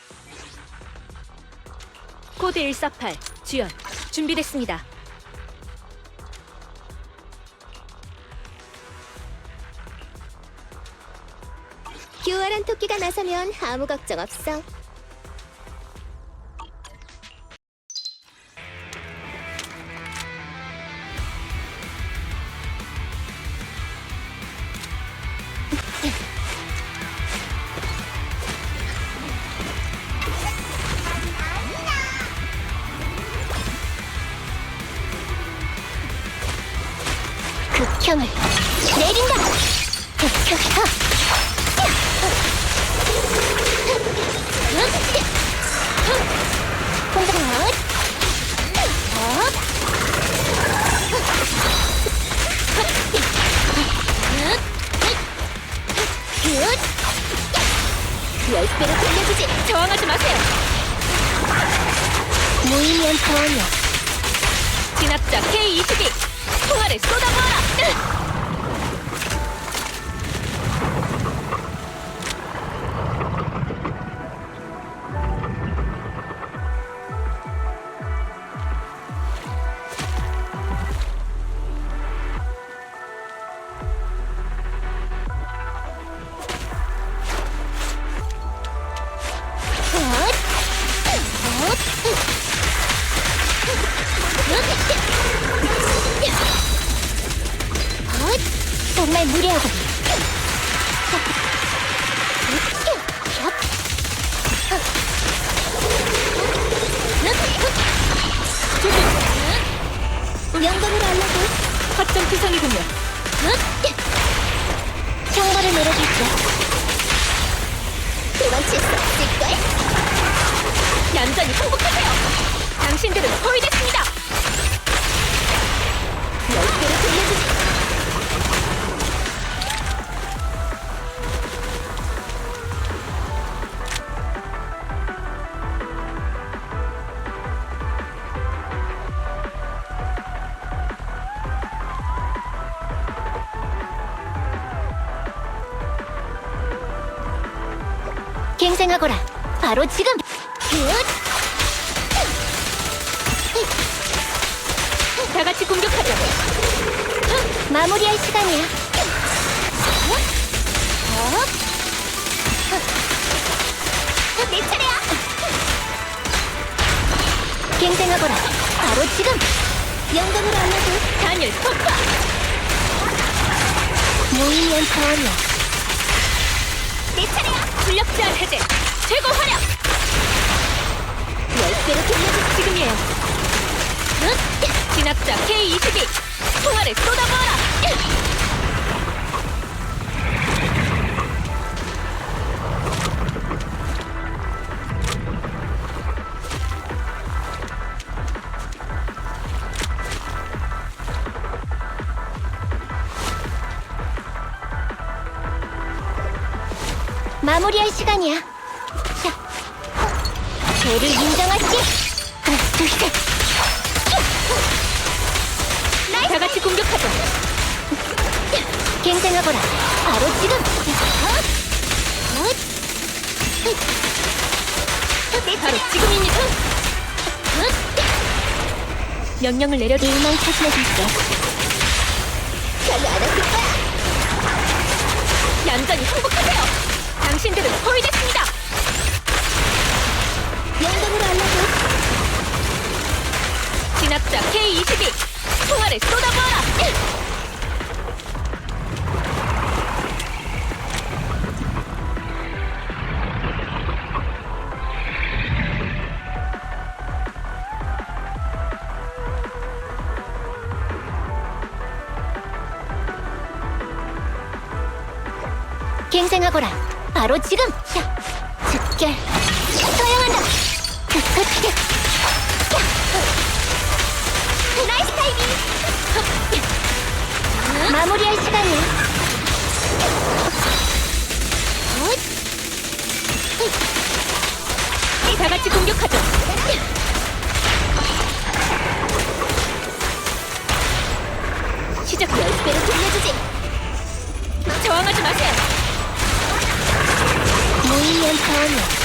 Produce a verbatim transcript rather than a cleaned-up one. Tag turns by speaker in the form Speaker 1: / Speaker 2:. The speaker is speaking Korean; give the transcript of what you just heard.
Speaker 1: 코드 일사팔 주연 준비됐습니다.
Speaker 2: 교활한 토끼가 나서면 아무 걱정 없어. 극형을 내린다. 극형. 공격력. 열 배로 돌려주지.
Speaker 1: 저항하지 마세요.
Speaker 2: 무의미한 저항이야.
Speaker 1: 진압자 케이 이십이 총알을 쏟아부어라. 정말 무례하고. 영광으로 알라고. 허점 투성이군요.
Speaker 2: 형벌을 내려줄게. 도망칠 수 없을걸?
Speaker 1: 얌전히 항복하세요. 당신들은 포위됐습니다.
Speaker 2: 열 배로 돌려주지. 갱생하거라. 바로 지금.
Speaker 1: 다 같이 공격하자.
Speaker 2: 마무리할 시간이야. 내 차례야. 갱생하거라. 바로 지금. 영광으로 알려줘.
Speaker 1: 단일 폭파.
Speaker 2: 무의미한 자원이야. 내 차례야.
Speaker 1: 출력 제한 해제. 최고 활약.
Speaker 2: 열 배로 돌려줘.
Speaker 1: 지금이에요. 진압자 케이 이십이 총알을 쏟아부어라.
Speaker 2: 마무리할 시간이야. 자, 죄를 인정하지. 하나, 둘, 셋.
Speaker 1: 다 같이 공격하자.
Speaker 2: 갱생하거라. 바로 지금.
Speaker 1: 바로 지금입니다. 명령을 내려줘.
Speaker 2: 일망 처신해줄게. 별로 안 아플 거야.
Speaker 1: 얌전히 항복하세요. 당신들은 포위됐습니다.
Speaker 2: 영광으로 알려줘.
Speaker 1: 진압자 케이 이십이 총알을 쏟아부어라.
Speaker 2: 갱생하거라. 바로 지금. 자, 즉결. 사용한다. 끝끝. 나이스 타이밍. 마무리할 시간이야.
Speaker 1: 다 같이 공격하죠. 시작.
Speaker 2: 열 배로 돌려주지.
Speaker 1: 저항하지 마세요.
Speaker 2: 무의미한 자원이야.